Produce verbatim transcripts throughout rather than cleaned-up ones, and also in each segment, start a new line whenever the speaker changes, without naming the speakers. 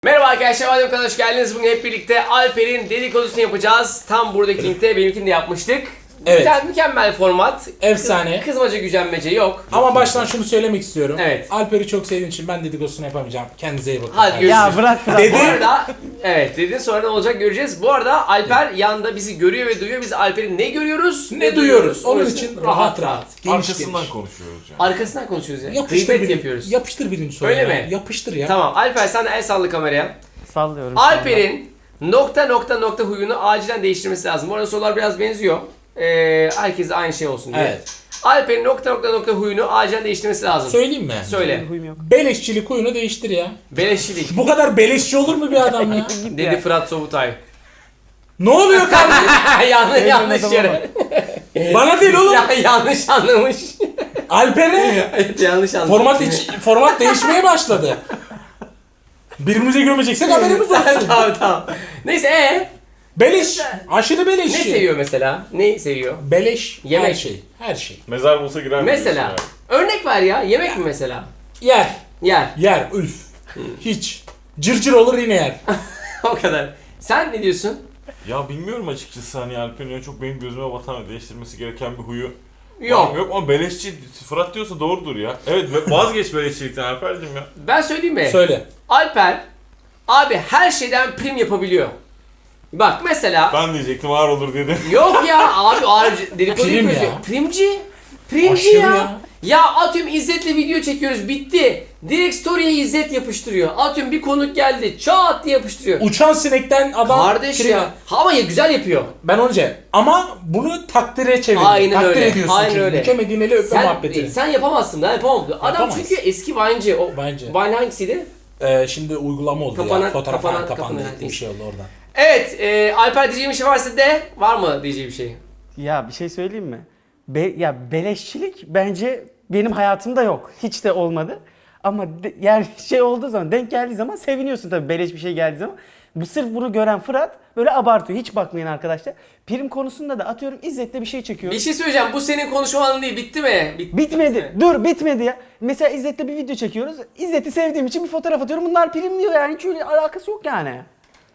Merhaba arkadaşlar, Adem kanalına hoş geldiniz. Bugün hep birlikte Alper'in dedikodusunu yapacağız. Tam buradaki linkte benimkini de yapmıştık.
Evet.
Güzel, mükemmel format.
Efsane.
Kız, kızmaca gücenmece yok.
Ama baştan şunu söylemek istiyorum.
Evet.
Alper'i çok sevdiğim için ben dedikodusunu yapamayacağım. Kendinize iyi bakın.
Hadi görüşürüz.
Ya bırak bırak.
Dedi.
Bu arada, evet dedin sonra ne olacak göreceğiz. Bu arada Alper yanında bizi görüyor ve duyuyor. Biz Alper'i ne görüyoruz
Ne duyuyoruz? Onun
Orası
için rahat rahat. Geniş
Arkasından
geniş.
konuşuyoruz yani.
Arkasından konuşuyoruz ya.
Yapıştır
Gıybet
birinci,
yapıyoruz.
Yapıştır birinci soruyu.
Öyle
ya.
mi?
Yapıştır ya.
Tamam Alper sen de el sallı kameraya.
Sallıyorum.
Alper'in nokta nokta nokta huyunu acilen değiştirmesi lazım. Bu arada sorular biraz benziyor. Ee, herkes aynı şey olsun diye.
Evet.
Alper'in nokta nokta nokta huyunu acilen değiştirmesi lazım.
Söyleyeyim mi?
Söyle.
Huyum yok.
Beleşçilik huyunu değiştir ya.
Beleşçilik.
Bu kadar beleşçi olur mu bir adam ya?
Dedi Fırat Sobutay.
Ne oluyor kardeşim?
yanlış
Sevdiğim
yanlış
adama
yere.
Bana değil oğlum.
ya, yanlış anlamış.
Alper'e
evet yanlış anlamış.
format, iç- format değişmeye başladı. Birbirimize gömeceksek haberimiz olsun.
tamam tamam. Neyse ee?
Beleş. Aşırı
Ne
beleşçi.
seviyor mesela? Ne seviyor?
Beleş.
Yemek.
Her şey. Her şey.
Mezar bulsa girer mi
Mesela.
diyorsun yani?
Örnek ver ya. Yemek mi mesela?
Yer.
Yer.
Yer. Üf. Hiç. Cırcır olur yine yer.
o kadar. Sen ne diyorsun?
Ya bilmiyorum açıkçası hani Alper'in öyle çok benim gözüme batan ve değiştirmesi gereken bir huyu
Yok.
var mı? Yok ama beleşçi Fırat diyorsa doğrudur ya. Evet vazgeç beleşçilikten Alper'cim ya.
Ben söyleyeyim mi?
Söyle.
Alper abi her şeyden prim yapabiliyor. Bak mesela
Ben diyecektim ağır olur dedim.
yok ya abi ağır dedikodu
Prim
yapıyoruz.
ya.
Primci. Primci
Aşırı
ya.
ya.
ya. atıyorum İzzet'le video çekiyoruz bitti. Direkt story'e İzzet yapıştırıyor. Atıyorum bir konuk geldi çat diye yapıştırıyor.
Uçan sinekten adam...
Kardeş
prim-
ya. Ha, ama ya güzel yapıyor.
Ben önce ama bunu takdire çevir.
Aynen
Takdir
öyle,
ediyorsun
aynen
çünkü.
öyle.
Bükemediğin eli öpme
Sen,
muhabbeti.
sen yapamazsın ben yapamam. Adam
Yapamaz.
çünkü eski Vine'ci. O
Bence.
Vine hangisiydi?
Ee, şimdi uygulama oldu
Kapanan-
ya. Fotoğraf
kapanan-
falan kapandı.
kapanan-
Gitti bir şey oldu oradan.
Evet, e, Alper diyeceğim bir şey varsa de var mı diyeceği bir şey?
Ya bir şey söyleyeyim mi? Be- ya beleşçilik bence benim hayatımda yok. Hiç de olmadı. Ama de- yani şey olduğu zaman, denk geldiği zaman seviniyorsun tabii beleş bir şey geldiği zaman. Bu sırf bunu gören Fırat böyle abartıyor. Hiç bakmayın arkadaşlar. Prim konusunda da atıyorum İzzet'le bir şey çekiyor.
Bir şey söyleyeceğim. Bu senin konuşman değil. Bitti mi? Bit-
Bitmedi. Dur bitmedi ya. Mesela İzzet'le bir video çekiyoruz. İzzet'i sevdiğim için bir fotoğraf atıyorum. Bunlar prim diyor yani. Hiç öyle alakası yok yani.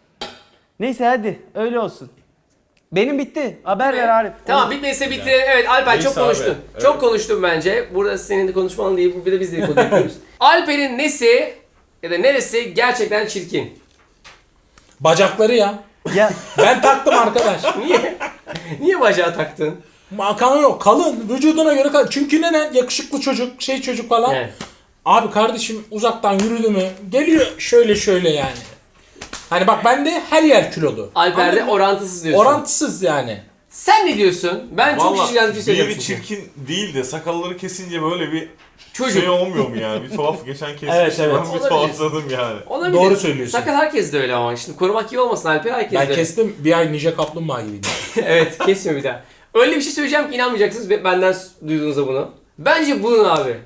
Neyse hadi öyle olsun. Benim bitti. Haber ver Arif.
Tamam bitmediyse bitirelim. Evet Alper
Neyse
çok
abi,
konuştun.
evet.
Çok konuştun bence. Burada senin de konuşman değil. Bir de biz de konu yapıyoruz. Alper'in nesi ya da neresi gerçekten çirkin?
Bacakları ya.
Ya
Ben taktım arkadaş.
Niye? Niye bacağı taktın?
Makan yok. Kalın. Vücuduna göre kalın. Çünkü neden? Yakışıklı çocuk, şey çocuk falan.
Evet.
Abi kardeşim uzaktan yürüdü mü? Geliyor şöyle şöyle yani. Hani bak bende her yer kilolu.
Alper'de
Anladın mı?
orantısız diyorsun.
Orantısız yani.
Sen ne diyorsun? Ben çok şişeceğiz bir şey söyleyeceğim.
biri
çünkü.
çirkin değil de sakalları kesince böyle bir
Çocuk.
şey olmuyor mu yani? Bir tuhaf geçen kesmiş.
Evet, evet.
Ben bir
Olabilir.
tuhafladım yani.
Olabilir.
Doğru söylüyorsun.
Sakal herkes de öyle ama. Şimdi korumak iyi olmasın Alper herkes de
Ben
öyle.
kestim bir ay Ninja Kaplumbağa gibiydi.
evet kesmiyor bir daha. Öyle bir şey söyleyeceğim ki inanmayacaksınız be- benden duyduğunuzda bunu. Bence bunun abi.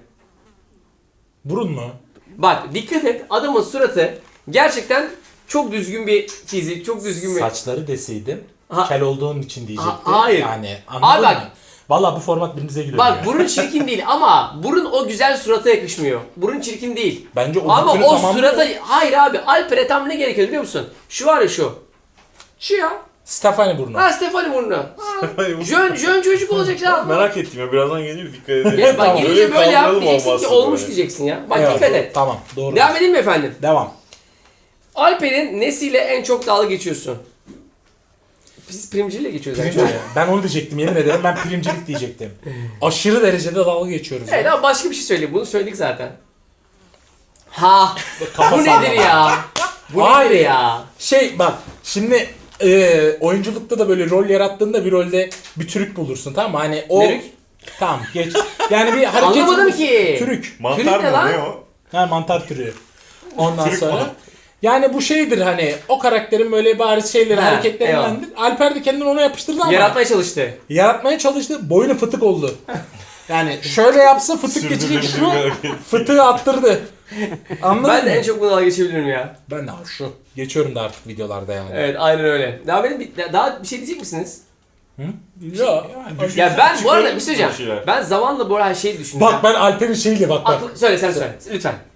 Burun mu?
Bak dikkat et adamın suratı gerçekten çok düzgün bir fizik, çok düzgün bir...
Saçları deseydim
Ha-
kel olduğun için diyecektim.
Ha- hayır.
Yani anladın
Abi bak-
mı? Valla bu format birbirimize giriyor.
Bak
ya.
burun çirkin değil ama burun o güzel surata yakışmıyor. Burun çirkin değil.
Bence o
Ama
bütünü
o
tamamlıyor.
surata... Hayır abi Alper'e tam ne gerekiyor biliyor musun? Şu var ya şu. Şu ya.
Stefani burnu.
Ha Stefani burnu. Ha. Jön, jön çocuk olacak ya.
Merak ettim ya birazdan geliyor dikkat edin.
Ya bak
Tamam.
gelince
Öyle
böyle yap
kaldıralım
diyeceksin ki
olmazsa
olmuş
böyle.
diyeceksin ya. Bak
Evet,
dikkat
doğru.
et.
Tamam doğru.
Devam edeyim mi efendim?
Devam.
Alper'in nesiyle en çok dalga geçiyorsun? Biz primciyle geçiyoruz.
Primci.
yani.
Ben onu diyecektim yemin ederim ben primcilik diyecektim. Aşırı derecede dalga geçiyoruz.
Evet
ya.
ama başka bir şey söyleyeyim. Bunu söyledik zaten. Ha,
Kafa
bu
sallama.
nedir ya? Bu
Hayır.
nedir ya?
Şey bak şimdi e, oyunculukta da böyle rol yarattığında bir rolde bir trük bulursun tamam mı? Hani o...
Trük?
Tamam geç. Yani bir hareket...
Anlamadım ki.
Trük.
Mantar
Trük ne
mı
lan?
ne o?
Ha mantar türü. Ondan
Trük
sonra...
mü?
Yani bu şeydir hani o karakterin böyle bariz şeyleri
Ha,
hareketlerindendir. Alper de kendini ona yapıştırdı ama
Yaratmaya çalıştı.
yaratmaya çalıştı. Boynu fıtık oldu. Yani şöyle yapsa fıtık geçecek
Sürdürülebilir
şu
bir hareket.
fıtığı attırdı. Anladın
Ben
mı?
de en çok bunu dalga geçebilirim ya.
Ben de şu. Geçiyorum da artık videolarda yani.
Evet aynen öyle. Daha benim bir- daha bir şey diyecek misiniz?
Hı? Ya.
Ya ben bu arada bir şey
Çıkarır mısın
söyleyeceğim.
bir şeyler?
Ben zamanla bu arada şey düşündüm.
Bak ben Alper'in şeyiyle bak bak.
Aklı, söyle sen söyle. Lütfen.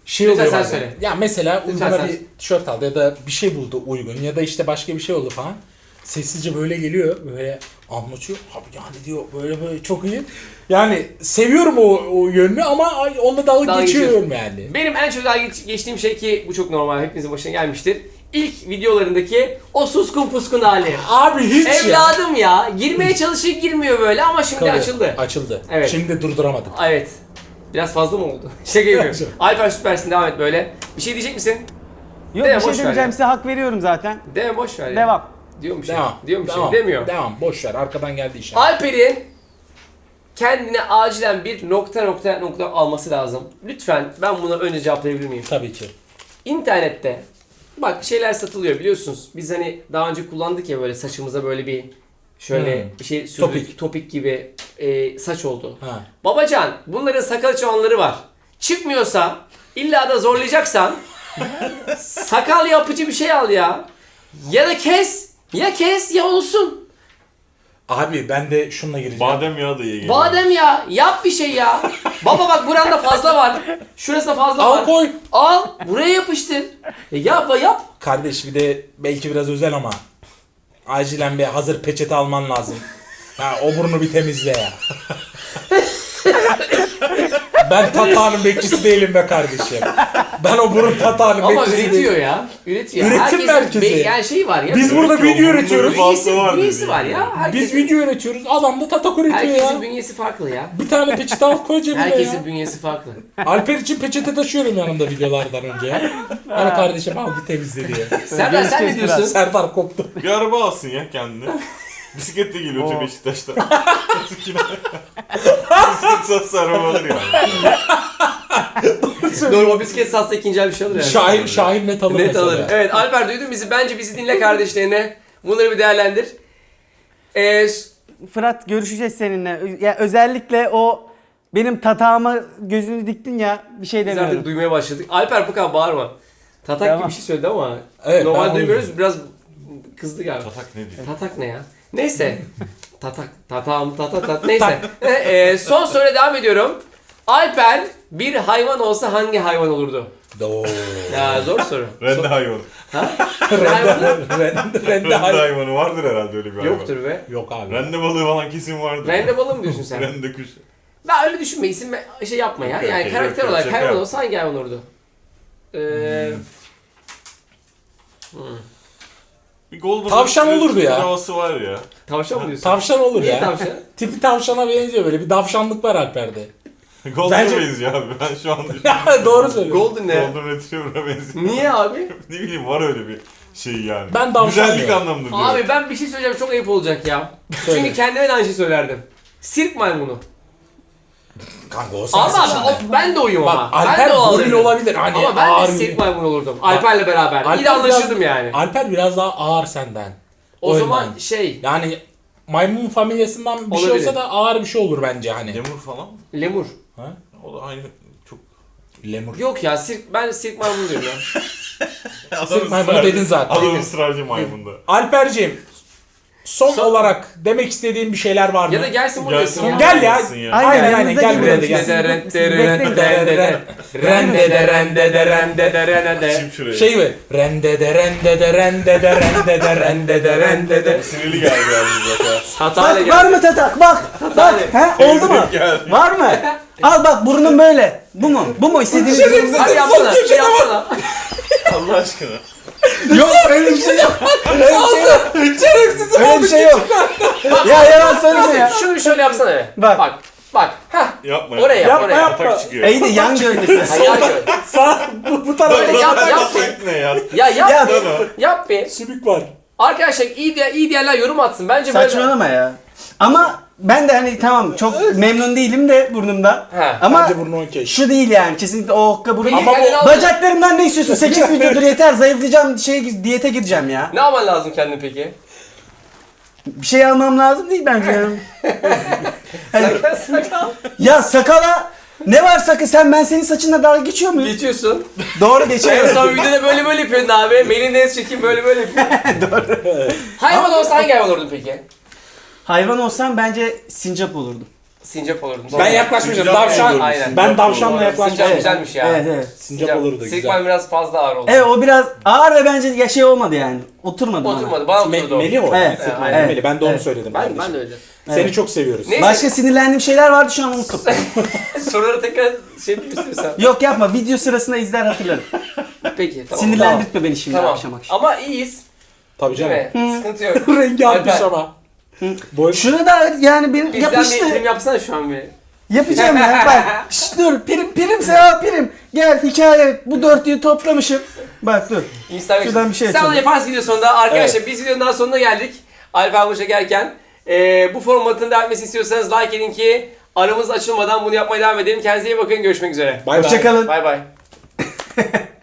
şey
Lütfen
oluyor
sen
bazen.
söyle.
Ya mesela
Lütfen
bana
sen
bir tişört aldı ya da bir şey buldu uygun ya da işte başka bir şey oldu falan. Sessizce böyle geliyor böyle anlatıyor. Abi yani diyor böyle böyle çok iyi. Yani seviyorum o, o yönünü ama ay- onunla dalga
Dalga
geçiyorum yani.
Benim en çok dalga geç- geçtiğim şey ki bu çok normal, hepinizin başına gelmiştir. İlk videolarındaki o suskun puskun hali.
Abi hiç ya.
Evladım ya. Girmeye çalışıyor, girmiyor böyle ama şimdi
Tabii,
açıldı.
Açıldı.
Evet.
Şimdi durduramadım.
Evet. Biraz fazla mı oldu? Şaka yapıyorum. Alper süpersin, devam et böyle. Bir şey diyecek misin?
Yok
Deme,
bir şey
boş ver
demeyeceğim
ya.
size hak veriyorum zaten.
Deme, boş ver ya.
Devam.
Diyormuş ya.
Devam.
Diyormuş ya.
devam,
Demiyor.
Devam. Boş ver. Arkadan geldi işaret.
Alper'in kendine acilen bir nokta nokta nokta alması lazım. Lütfen, ben buna önce cevaplayabilir miyim?
Tabii ki.
İnternette bak şeyler satılıyor biliyorsunuz. Biz hani daha önce kullandık ya, böyle saçımıza böyle bir şöyle
Hmm.
bir şey sürdük.
Topik.
Topik gibi e, saç oldu.
Ha.
Babacan, bunların sakal çoğanları var. Çıkmıyorsa, illa da zorlayacaksan sakal yapıcı bir şey al ya. Ya da kes. Ya kes ya olsun.
Abi ben de şununla gireceğim.
Badem yağı da iyi geliyor.
Badem ya. Yap bir şey ya. Baba bak buranda fazla var. Şurasında fazla
Al
var.
koy.
Al. Buraya yapıştır. E, yap yap.
Kardeş bir de belki biraz özel ama acilen bir hazır peçete alman lazım. Ha, o burnu bir temizle ya. Ben tatağının bekçisi değilim be kardeşim. Ben o burun tatağının
Ama
bekçisi
üretiyor
değilim.
ya. Üretiyor.
Üretim
Herkesin
merkezi.
be- yani şey var ya.
Biz burada
Üretiyor,
video
bunun
üretiyoruz.
bir fazla
bünyesi,
var
bünyesi
dedi.
var ya. Herkesin,
Biz video üretiyoruz. Adam da tatak üretiyor
herkesin
ya.
bünyesi farklı ya.
Bir tane peçete al koy cebine
Herkesin
ya.
bünyesi farklı.
Alper için peçete taşıyorum yanımda videolardan önce ya. Hani kardeşim al bir temizle diye.
Serdar sen ne
Görüşürüz
diyorsun?
Serdar koptu.
Bir araba alsın ya kendine. Bisikletle geliyor
Oo.
öte Beşiktaş'ta. Bisiklet satsa araba alır yani.
Doğru, o bisiklet satsa ikinci el bir şey alır yani.
Şahin, Şahin net alır
Net
mesela.
alır. Evet Alper, duydun bizi. Bence bizi dinle kardeşlerine. Bunları bir değerlendir. Ee, s-
Fırat görüşeceğiz seninle. Ya özellikle o benim tatağıma gözünü diktin ya bir şey
biz artık
demiyorum.
duymaya başladık. Alper bu kadar bağırma. Tatak
Tamam.
gibi bir şey söyledi ama
Evet, ben
normal
onu
duymuyoruz. Biraz kızdı galiba.
Tatak ne diyor?
Tatak ne ya? Neyse. Tatak. Tatağım tatat tat. Neyse. Ee, son soruyla devam ediyorum. Alper bir hayvan olsa hangi hayvan olurdu?
Oo.
Ya zor soru.
Rende
Sor-
hayvanı.
Ha? Hayvanı?
Rende, rende
Rende
hayvan.
hayvanı vardır herhalde öyle bir hayvan.
Yoktur be.
Yok abi.
Rende balığı falan kesin vardır.
Rende balığı mı diyorsun sen?
Rende kuş.
Ben öyle düşünme, isim ve- şey yapma ya.
Okey,
Yani
okey,
karakter
yok, yok,
olarak
şaka
hayvan
yap.
olsa hangi hayvan olurdu? Ee, hmm.
Bir golden
Tavşan
retriever
olurdu ya.
havası var ya.
Tavşan mı diyorsun?
Tavşan olur
Niye
ya.
tavşan?
Tipi tavşana benziyor böyle bir davşanlık var Alper'de.
Golden'a
Bence-
benziyor abi. Ben şu an düşünüyorum.
Doğru söylüyorsun.
Golden ne?
Golden Retriever'a benziyor.
Niye abi?
Ne bileyim var öyle bir şey yani.
Ben tavşan
Güzellik
diyorum.
anlamında diyorum.
Abi ben bir şey söyleyeceğim, çok ayıp olacak ya.
Söyle.
Çünkü kendime de aynı şey söylerdim. Sirk maymunu.
Kanka o
Ama
sensin
abi,
şimdi.
of, ben de oyum
Bak
ama. Ben
Alper
de o
goril
alırdım.
olabilir. Hani
Ama ben
ağır
de sirk
bir-
maymunu olurdum. Alper'le beraber. İyi de
Alper
anlaşırdım
biraz-
yani.
Alper biraz daha ağır senden.
O
O
zaman
yönden.
şey,
Yani maymun familyasından bir şey
Olabilir.
olsa da ağır bir şey olur bence hani.
Lemur falan mı?
lemur.
Ha?
O da aynı çok...
Lemur.
Yok ya, sirk, ben sirk maymunu diyorum ya.
Sırf maymunu dedin zaten.
Adam ısrarcı maymunda.
Alperciğim son,
Son-
olarak demek istediğin bir şeyler var mı?
Ya da gelsin burada
Gelsin
desin ya.
Gel ya.
Gelsin ya.
Aynen aynen gel
yanınıza
buraya da
gidelim.
gel.
Rende de rende de rende de rende de rende de rende de.
Şimdi şuraya.
Şey mi? Rende de rende de rende de rende de rende de rende de.
Sinirli geldi yalnız bak ha.
Hatayla
Bak
gel.
var mı tatak bak. Bak he oldu mu?
Geldi.
Var mı? Al bak burnun böyle. Bu mu? Bu mu istediğiniz?
Şerefsiz.
Hadi yapsana, bir yapsana.
Allah aşkına.
Yok öyle bir şey yok. Öyle bir şey yok.
Şerefsiz
Öyle bir şey yok. Ya yalan söyleme ya.
Şunu bir şöyle yapsana be.
Bak.
Bak. Bak. Heh.
Yapma
Oraya yap,
Yapma,
oraya yap.
yapma.
Atak çıkıyor.
İyi de yan görmesin.
Hayal gör.
Sağ bu, bu tarafa
Böyle yap, yap bir.
Atak ne ya?
Ya yap
Ya.
bir. Yap bir.
sümük var.
Arkadaşlar iyi diye iyi diyenler yorum atsın. Bence böyle.
Saçmalama ya. Ama ben de hani tamam çok memnun değilim de burnumdan.
He.
Ama
Bence burnu okey.
şu değil yani kesinlikle o okka burun.
Peki,
Ama
kendini
bu
al-
bacaklarımdan ne istiyorsun? sekiz videodur yeter zayıflayacağım şey diyete gireceğim ya.
Ne yapman lazım kendin peki?
Bir şey almam lazım değil bence.
Sakal sakal.
Ya sakala ne var sakın sen ben senin saçınla dalga geçiyor muyum?
Geçiyorsun.
Doğru
En
geçiyorum.
son videoda böyle böyle yapıyordun abi. Melin Deniz çekim böyle böyle yapıyor. Doğru. Hayvan olsa hangi hayvan olurdun peki?
Hayvan olsam bence sincap olurdum.
Sincap olurdum.
Ben yaklaşmayacağım.
Sincap
Davşan.
olurdu,
Aynen.
sincap
Ben davşanla
olurdu.
yaklaşmayacağım.
Sincap güzelmiş ya.
Evet evet.
Sincap olurdu güzel.
Sigma biraz fazla ağır oldu.
Evet o biraz ağır ve bence ya şey olmadı yani. Oturmadı bana.
Oturmadı. Bana
Me-
oturdu o.
Melih o.
Evet,
Sıkma,
evet.
Melih. Ben de onu
Evet.
söyledim.
Ben,
kardeşim.
ben de öyle.
Seni
Evet.
çok seviyoruz.
Neyse.
Başka sinirlendiğim şeyler vardı şu an unuttum.
Soruları tekrar şey mi istiyorsan.
Yok yapma video sırasında izler hatırlarım.
Peki tamam.
Sinirlendirtme beni şimdi
Tamam.
akşam akşam.
Ama iyiyiz.
Tabii
Değil
canım.
mi? Sıkıntı yok.
Rengi atmış
Alper,
ama. Boy...
Şunu da yani benim
Bizden
yapıştı.
bir film yapsana şu an bir.
Yapacağım ya bak. Şşt dur prim primse ya prim. Gel hikaye bu dörtlüyü toplamışım. Bak dur.
Instagram.
Şuradan bir şey
Sen
açalım.
onu yaparsın video sonunda. Arkadaşlar biz videonun daha sonuna geldik. Alper bu çekerken. Ee, bu formatın devam etmesini istiyorsanız like edin ki aramız açılmadan bunu yapmaya devam edelim. Kendinize iyi bakın. Görüşmek üzere.
Bay bay.
Hoşçakalın.
Bay bay.